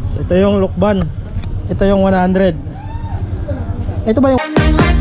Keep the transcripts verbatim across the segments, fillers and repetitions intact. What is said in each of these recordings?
So ito yung lukban. Ito yung one hundred. Ito ba yung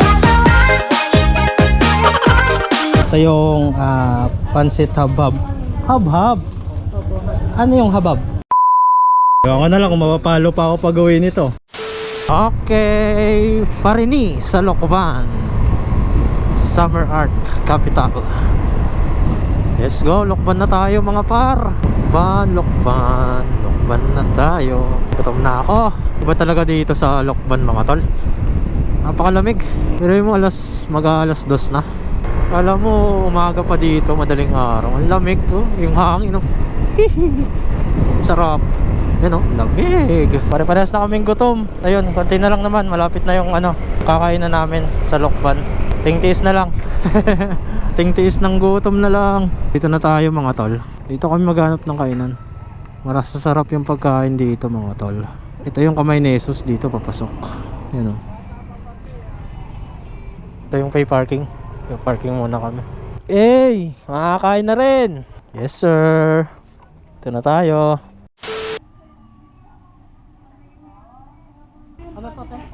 Ito yung uh, pansit habab. Habhab. Ano yung habab? Ewan ko na lang kung mapapalo pa ako pag gawin ito. Okay, Farini sa Lokban, Summer Art Capital. Let's go, Lokban na tayo mga par. Lokban, Lokban, Lokban na tayo. Gutom na ako. Iba talaga dito sa Lokban mga tol. Napakalamig. Pero yung alas, mag-alas dos na. Alam mo, umaga pa dito, madaling araw. Ang lamig ko, oh. Yung hangin oh. Sarap. Yan o, lamig. Pare-parehas na kaming gutom. Ayun, konti na lang naman. Malapit na yung ano, kakainan namin sa Lokban. Tingtiis na lang. Tingtiis ng gutom na lang. Dito na tayo mga tol. Dito kami maghanap ng kainan. Maras sarap yung pagkain dito mga tol. Ito yung kamay ni Jesus dito papasok. Yan o. Ito yung pay parking. Yung parking muna kami. Hey, makakain na rin. Yes sir. Ito na tayo. Ano to, te?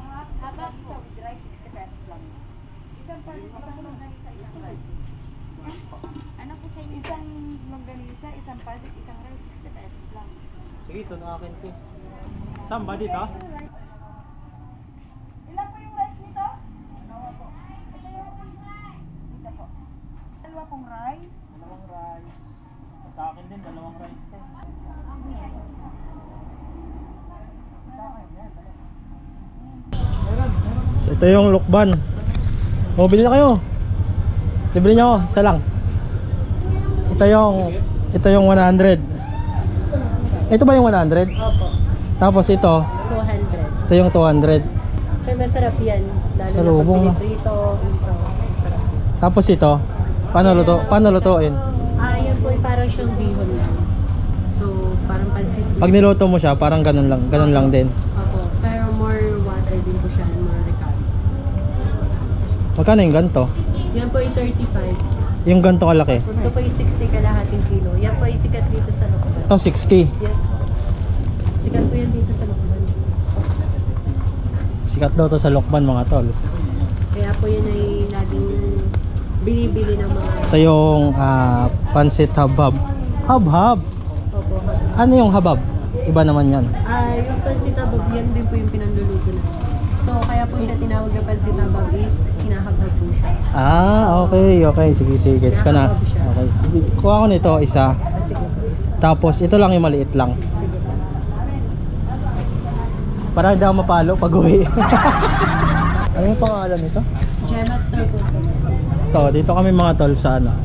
Ano po sa inyo? Isang longganisa, isang pasit, isang rice, sixty pesos lang. Sige, ito na akin, te. Saan ba dito? Ilan po yung rice nito? Dalawa po. Ito yung rice. Dito po. Dalawa pong rice. Dalawang rice. Sa akin din, dalawang rice, te. So ito yung lukban. O, bili na kayo. Bili nyo ako, isa lang. Ito yung Ito yung one hundred. Ito ba yung one hundred? Opo. Tapos ito two hundred. Ito yung two hundred. Sir, masarap yan. Lalo Sa na lubong, pag no? piniprito. Ito, masarap. Tapos ito paano luto? Paano lutuin? Ah, yan po ay parang siyang bihon lang. So, parang pansit. Pag niluto mo siya, parang ganun lang, ganun lang din. Opo. Pero more water din po siya. More recado. Magkano yung ganto? Yan po ay thirty-five. Yung ganto kalaki? Ito po ay sixty kalahating kilo. Yan po ay sikat dito sa Lokban. Ito sixty. Yes po. Sikat po yan dito sa Lokban. Sikat daw to sa Lokban mga tol. Kaya po yun ay laging binibili ng mga... Ito yung ah, pansit habab. Habhab. Opo. Ano yung habab? Iba naman yan. Ah, yung pansitabog, yan din po yung pinanluluto na. So, kaya po siya tinawag na pansitabog is hinahabhab po siya. Ah, okay, okay. Sige, sige. Gets ka na. Okay. Kuha ko nito, isa. Ah, sige po. Tapos, ito lang yung maliit lang. Sige po. Para hindi ako mapalo pag uwi. Ano yung pangalan nito? Gemma Store po po. So, dito kami mga tol sa ano?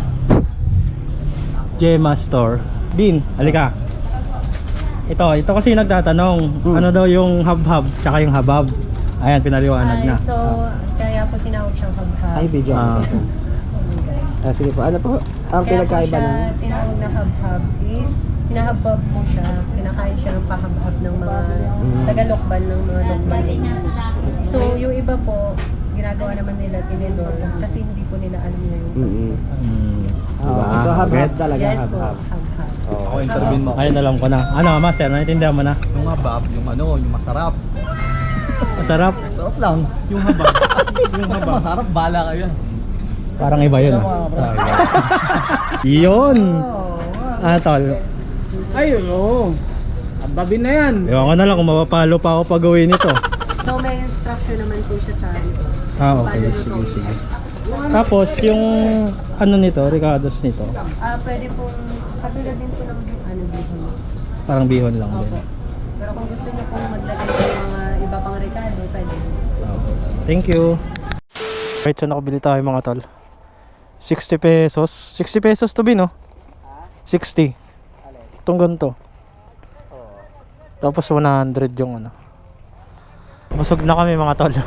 Gemma Store. Bin, halika. Ito, ito kasi nagtatanong, Hmm. ano daw yung habhab tsaka yung habab. Ayan, pinaliwanag Ay, na. so, kaya po tinawag siyang habhab. Ay, video. Ah. Ah, sige po. Ano po ang Kaya po pinagkaiba siya ng... tinawag na habhab is hinahabhab po siya. Kinakain siya ng pahabhab ng mga Mm. tagalokban ng mga lokban. So, yung iba po, ginagawa naman nila tinidor kasi hindi po nila alam na yung Mm-hmm. Hmm. Diba? So, habhab talaga. Yes po, habhab. habhab. Oh. Ako intervene mo. Ayun, alam ko na. Ano, master, naintindihan mo na? Yung habab, yung ano, yung masarap. Masarap. Masarap lang. Yung habab. yung habab. Masarap, bala kayo. Parang iba yun. Ah. Ah, iba. Yun. Ah, tol. Ayun o. Hababin na yan. Ewan ko na lang kung mapapalo pa ako pag gawin ito. So, may instruction naman po siya sa ano. Ah, okay. Sige, sige. Tapos, yung ano nito, ricados nito, Ah, pwede pong katulad din po ng ano bihon. parang bihon lang din. Opo. Pero kung gusto niyo pong maglagay ng mga iba pang recado, pwede. Okay. Thank you. Right, so nakabili tayo mga tol. sixty pesos. sixty pesos to bin, no? sixty. Itong ganito. Tapos one hundred yung ano. Busog na kami mga tol.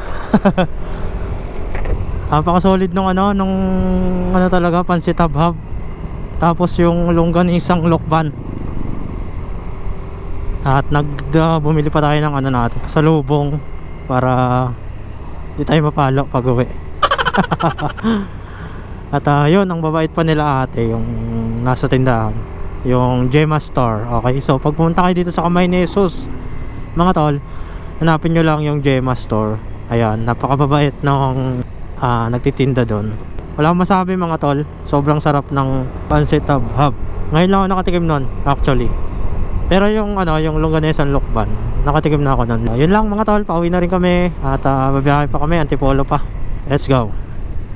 Napaka-solid nung ano, nung ano talaga, pansit habhab. Tapos yung longganisang lokban. At nag uh, bumili pa tayo ng ano natin, sa lubong para di tayo mapalo pag uwi. At uh, yun, ang babait pa nila ate, yung nasa tindahan, yung Gemma Store. Okay, so pag pumunta kayo dito sa Kamay ni Jesus, mga tol, hanapin nyo lang yung Gemma Store. Ayan, napakababait ng ah, nagtitinda doon. Wala akong masabi mga tol, sobrang sarap ng pancit hab-hab. Ngayon lang ako nakatikim nun actually. Pero yung ano, yung longganesan lukban, nakatikim na ako nun. Yun lang mga tol, pauwi na rin kami at uh, babiyahe pa kami, Antipolo pa. Let's go.